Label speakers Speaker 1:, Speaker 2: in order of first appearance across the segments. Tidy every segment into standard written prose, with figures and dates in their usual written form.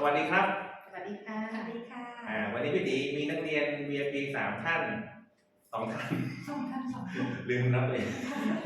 Speaker 1: วัสดีครับ
Speaker 2: สวัสดีค่ะ
Speaker 3: สวัสดีค่ะ
Speaker 1: วันนี้พี่ตีมีนักเรียน VIP 3 ท่าน2 ท่าน
Speaker 3: 2 ท่าน
Speaker 1: ลืมนับเลย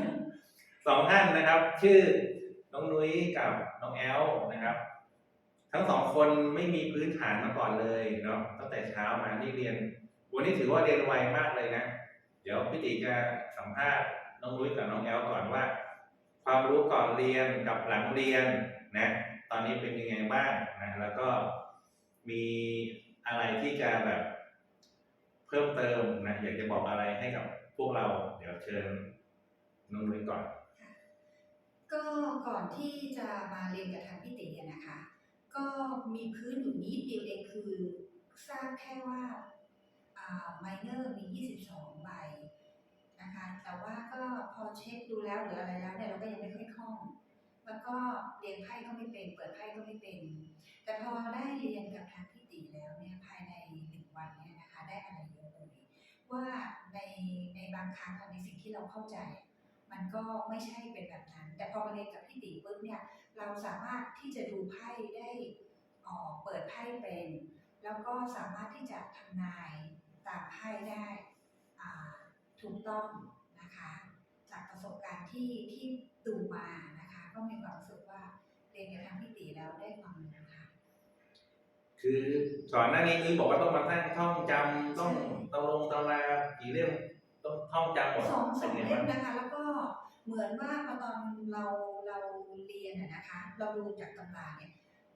Speaker 1: 2 ท่านนะครับชื่อน้องนุ้ยกับน้องแอลนะครับทั้ง2 คนไม่มีพื้นฐานมาก่อนเลยเนาะตั้งแต่เช้ามาที่เรียนวันนี้ถือว่าเรียนไวมากเลยนะเดี๋ยวพี่ตีจะสัมภาษณ์น้องนุ้ยกับน้องแอลก่อนว่าความรู้ก่อนเรียนกับหลังเรียนนะตอนนี้เป็นยังไงบ้างนะแล้วก็มีอะไรที่จะแบบเพิ่มเติมนะอยากจะบอกอะไรให้กับพวกเราเดี๋ยวเชิญน้องนุ้ยก่อน
Speaker 3: ก็ก่อนที่จะมาเรียนกับทางพี่ติ๋นะคะ ก็มีพื้นอยู่นิดเดียวเองคือทราบแค่ว่าไมเนอร์มี22 ใบนะคะแต่ว่าก็พอเช็คดูแล้วหรืออะไรแล้วเนี่ยเราก็ยังไม่ค่อยคล่องแล้วก็เรียนไพ่ก็ไม่เป็นเปิดไพ่ก็ไม่เป็นแต่พอได้เรียนกับทางพี่ติ๋แล้วเนี่ยภายใน1 วันเนี่ยนะคะได้อะไรเยอะเลยว่าในบางครั้งในสิ่งที่เราเข้าใจมันก็ไม่ใช่เป็นแบบนั้นแต่พอมาเรียนกับพี่ติ๋ปุ๊บเนี่ยเราสามารถที่จะดูไพ่ได้เปิดไพ่เป็นแล้วก็สามารถที่จะทำนายตามไพ่ได้ถูกต้องนะคะจากประสบการณ์ที่ดูมานะคะก็มีความรู้สึกว่าเรียนกับทางพี่ติ๋แล้วได้ความรู้ค่ะ
Speaker 1: คือก่อนหน้านี้นุ้ยบอกว่าต้องมานั่งท่องจำต้องตำรากี่เล่มต้องท่องจำหมด
Speaker 3: สองเล่มนะคะแล้วก็เหมือนว่าพอตอนเราเรียนนะคะเราดูจากตำราเนี่ย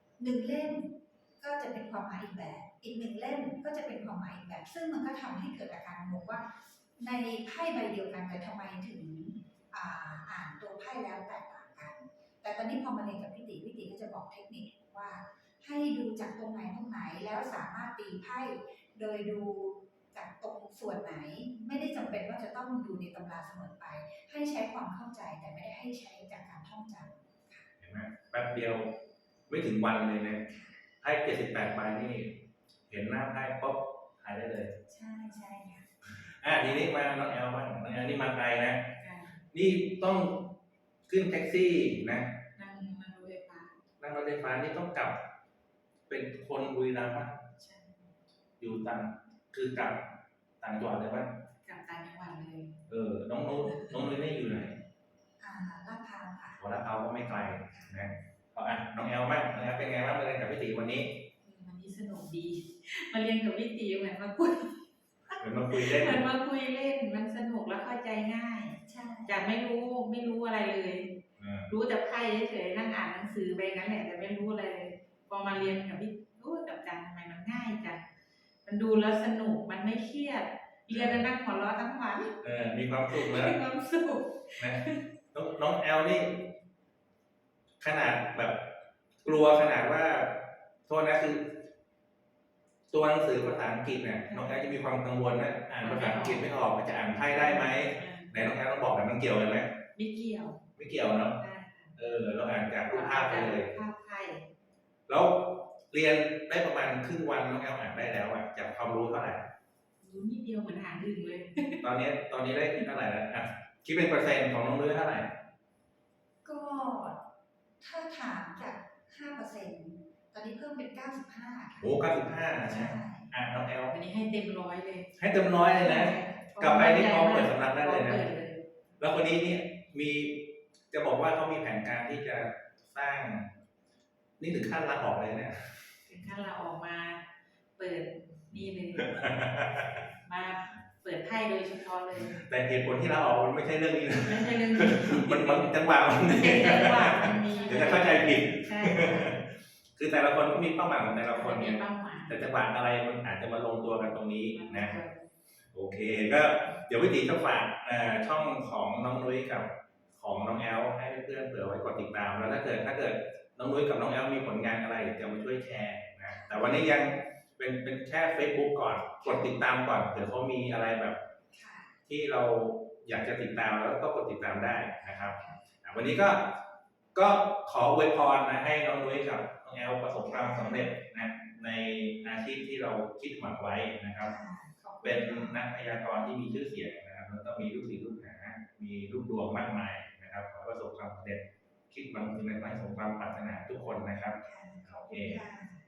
Speaker 3: 1 เล่มก็จะเป็นความหมายอีกแบบอีก1 เล่มก็จะเป็นความหมายอีกแบบซึ่งมันก็ทำให้เกิดอาการงงว่าในไพ่ใบเดียวกันแต่ทำไมถึงอ่านตัวไพ่แล้วแตกต่างกันแต่ตอนนี้พอมาเรียนกับพี่ติ๋ก็จะบอกเทคนิคว่าให้ดูจากตรงไหนแล้วสามารถตีไพ่โดยดูจากตรงส่วนไหนไม่ได้จำเป็นว่าจะต้องดูในตำราเสมอไปให้ใช้ความเข้าใจแต่ไม่ได้ให้ใช้จากการท่องจำ
Speaker 1: เห็นไหมแป๊บเดียวไม่ถึงวันเลยนะไพ่78 ใบนี่เห็นหน้าไพ่ปุ๊บถ่ายได้เลย
Speaker 3: ใช่ค่ะ
Speaker 1: ทีนี้มาน้องแอลบ้างน้องแอลนี่มาไกลนะนี่ต้องขึ้นแท็กซี่นะ
Speaker 2: นั่งรถไฟฟ้า
Speaker 1: นี่ต้องกลับเป็นคนบุรีรัมย์ป่ะอยู่คือกลับต่างจังหวัดเลยป่ะ
Speaker 2: กลับต่างจังหวัดเลย
Speaker 1: น้องนุ้ยนี่อยู่ไหน
Speaker 3: ลาดพร้าวค่ะ
Speaker 1: ลาดพร้าวก็ไม่ไกลนะน้องแอลบ้างน้องแอลเป็นไงบ้างมาเรียนกับพี่ตีวันนี้
Speaker 2: สนุกดีมาเรียนกับพี่ตีเหมือนมาคุย
Speaker 1: เล่น
Speaker 2: มันสนุกแล้วเข้าใจง่าย
Speaker 3: ใช่
Speaker 2: จากไม่รู้อะไรเลยรู้แต่ไพ่เฉยๆนั่งอ่านหนังสือไปงั้นแหละแต่ไม่รู้อะไรเลยพอมาเรียนกับพี่กับจันทำไมมันง่ายจังมันดูแล้วสนุกมันไม่เครียดเรียนแล้วนั่งหัวเราะทั้งวัน
Speaker 1: มีความสุขนะ
Speaker 2: มีความสุข
Speaker 1: นะน้องแอลนี่ขนาดแบบกลัวขนาดว่าโทษนะคือตัวหนังสือภาษาอังกฤษเนี่ยน้องแอลจะมีความกังวลนะอ่านภาษาอังกฤษไม่ออกจะอ่านไพ่ได้ไหมไหนน้องแอลต้องบอกกันมันเกี่ยวกันไหม
Speaker 2: ไม่เกี่ยว
Speaker 1: เนาะเราอ่านจากรูปภาพไปเลย
Speaker 2: ภาพไพ่
Speaker 1: แล้วเรียนได้ประมาณครึ่งวันน้องแอลอ่านได้แล้วจากความรู้เท่าไหร่
Speaker 2: รู้นิดเดียวเหมือนอ่านดึงเลย
Speaker 1: ตอนนี้ได้เท่าไหร่แล้วคิดเป็นเปอร์เซ็นต์ของน้องนุ้ยเท่าไหร่
Speaker 3: ก็ถ้าถามจาก 5% ตอนนี้เพิ่มเป็น 95ค่ะ
Speaker 1: โอ้95นะ
Speaker 3: ใช่
Speaker 1: น้องแอล
Speaker 2: วันนี้ให้เต็ม100เลย
Speaker 1: ให้เต็ม100เลยนะกลับไปนี่พร้อมเปิดสำนักได้เลยนะแล้วคนนี้เนี่ยจะบอกว่าเขามีแผนการที่จะสร้างนี่ถึงขั้นลาออกเลยเนี่ย
Speaker 2: ถึงขั้นลาออกมาเปิดนี่เลยมาเปิดไพ่โดยเฉพาะเลย
Speaker 1: แต่เหตุผลที่ลาออกมันไม่ใช่เรื่องนี้นะ
Speaker 2: ไม่ใช่เรื่องนี้
Speaker 1: มันจังหวะมันมีเดี๋ยวจะเข้าใจผิด
Speaker 2: ใช่
Speaker 1: คือแต่ละคนก็มีเป้าหมายของแต่ละคนเนี่ยแต่จังหวะอะไรมันอาจจะมาลงตัวกันตรงนี้นะโอเคก็เดี๋ยววิธีจะฝากช่องของน้องนุ้ยกับของน้องแอลให้เพื่อนๆเผื่อไว้กดติดตามแล้วถ้าเกิดน้องนุ้ยกับน้องแอลมีผลงานอะไรจะมาช่วยแชร์นะแต่วันนี้ยังเป็นแค่ Facebook ก่อนกดติดตามก่อนเดี๋ยวเขามีอะไรแบบที่เราอยากจะติดตามแล้วก็กดติดตามได้นะครับวันนี้ก็ขออวยพรนะให้น้องนุ้ยกับน้องแอลประสบความสำเร็จนะในอาชีพที่เราคิดหวังไว้นะครับเป็นนักพยากรณ์ที่มีชื่อเสียงนะครับแล้วก็มีลูกศิษย์ลูกหามีลูกดวงมากมายนะครับขอประสบความสำเร็จคิดหวังถึงในสมความปรารถนาทุกคนนะครับโอเค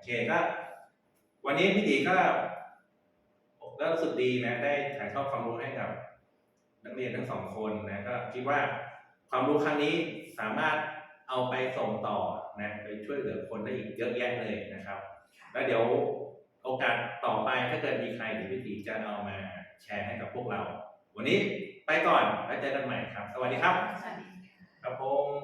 Speaker 1: ก็วันนี้พี่ตีก็รู้สึกดีนะได้ถ่ายทอดความรู้ให้กับนักเรียนทั้งสองคนนะก็คิดว่าความรู้ครั้งนี้สามารถเอาไปส่งต่อนะไปช่วยเหลือคนได้อีกเยอะแยะเลยนะครับแล้วเดี๋ยวโอกาสต่อไปถ้าเกิดมีใครหรือพี่ตีจะเอามาแชร์ให้กับพวกเราวันนี้ไปก่อนแล้วเจอกันใหม่ครับสวัสดีครับ
Speaker 2: สวัสดีค่ะ
Speaker 1: ครับผม